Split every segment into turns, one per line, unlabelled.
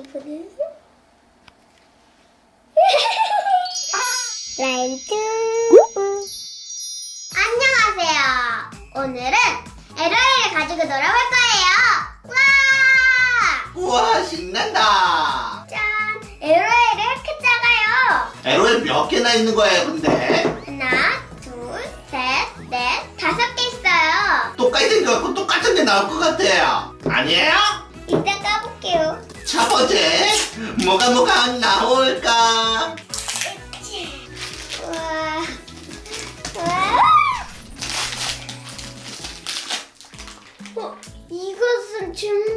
리프는 라임투. 안녕하세요. 오늘은 LOL을 가지고 놀아볼 거예요. 와!
우와, 신난다.
짠! LOL이 이렇게 작아요.
LOL 몇 개나 있는 거예요, 근데?
하나, 둘, 셋, 넷, 5개 있어요.
똑같이 생겨갖고 똑같은 게 나올 것 같아요. 아니에요?
이따 까볼게요.
첫 번째, 뭐가 나올까?
우와. 우와. 이것은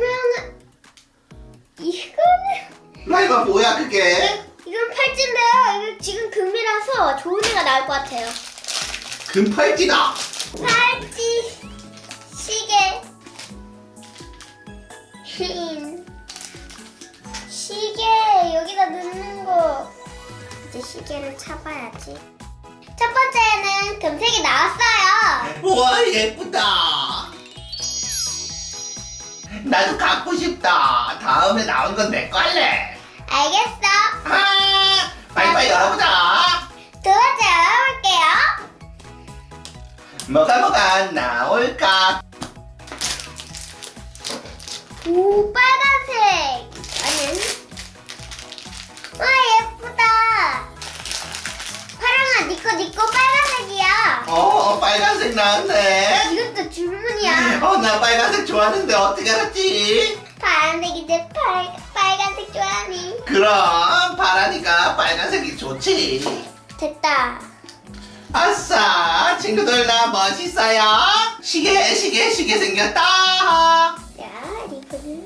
이거는
라이바 뭐야, 그게?
이건 팔찌인데요. 이거 지금 금이라서 좋은 애가 나올 것 같아요.
금팔찌다.
팔찌, 시계, 흰 시계 여기다 넣는 거. 이제 시계를插아야지. 첫 번째는 금색이 나왔어요.
우와, 예쁘다. 나도 갖고 싶다. 다음에 나온 건 내 거 할래.
알겠어.
빨리빨리 열어보자.
두 번째 열어볼게요.
뭐가 나올까?
오, 빨간색. 아니. 와, 예쁘다. 파랑아, 니꺼 빨간색이야.
빨간색 나왔네.
이것도 주문이야.
나 빨간색 좋아하는데 어떻게 알았지?
파란색인데 빨간색 좋아하니.
그럼 파라니까 빨간색이 좋지.
됐다.
아싸, 친구들 나 멋있어요. 시계 생겼다.
자, 이거는.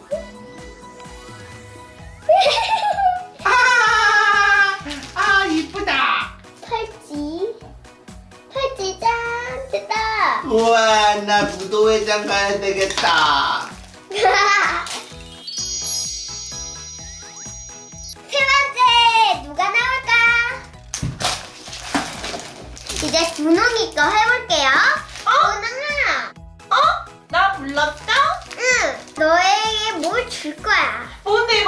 이쁘다.
팔찌 짠, 됐다.
우와, 나 무도회장 가야 되겠다.
세 번째 누가 나올까? 이제 분홍이 거 해볼게요. 분홍아.
나 불렀어?
응. 너에게 뭘 줄 거야?
뭔데?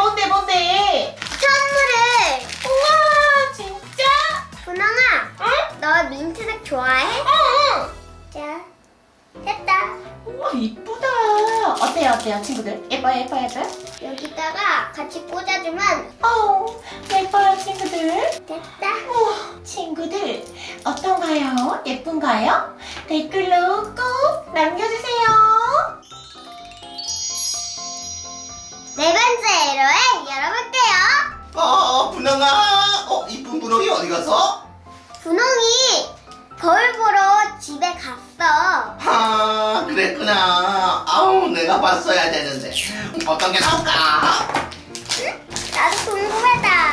선물을.
우와, 진짜?
분홍아.
응?
너 민트색 좋아해?
응.
자, 됐다.
우와, 이쁘다. 어때요, 친구들? 예뻐요?
여기다가 같이 꽂아주면
예뻐요, 친구들?
됐다.
우와, 친구들, 어떤가요? 예쁜가요? 댓글로 꼭 남겨주세요.
네 번째 LOL 열어볼게요.
분홍아. 이쁜 분홍이 어디 갔어?
분홍이 거울 보러 집에 갔어.
그랬구나. 내가 봤어야 되는데. 어떤 게 나올까?
나도 궁금하다.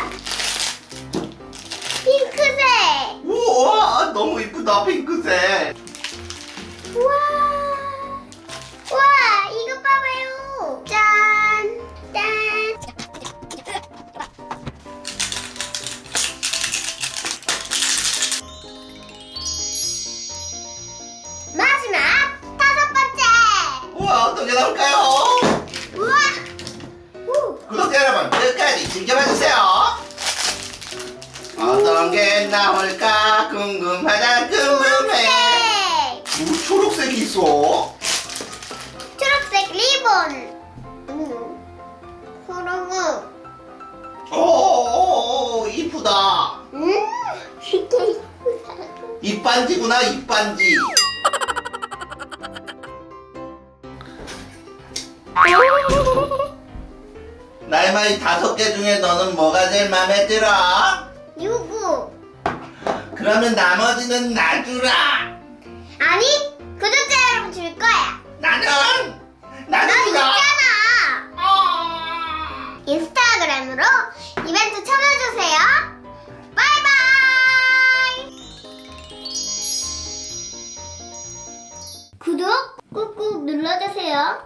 핑크색.
우와, 너무 이쁘다, 핑크색.
우와. 우와, 이거 봐봐요. 짠. 마지막 5번째.
우와, 어떤 게 나올까요?
우와.
구독자 여러분, 끝까지 지켜봐주세요. 어떤 게 나올까 궁금해.
네.
초록색이 있어.
초록색 리본. 호롱은.
이쁘다.
이게 이쁘다.
입반지구나, 입반지. 날마이 5개 중에 너는 뭐가 제일 마음에 들어?
유구.
그러면 나머지는 놔주라.
아니, 구독자 여러분 줄 거야.
나는
너
주라.
있잖아. 인스타그램으로 이벤트 참여해주세요. 바이바이. 구독 꾹꾹 눌러주세요.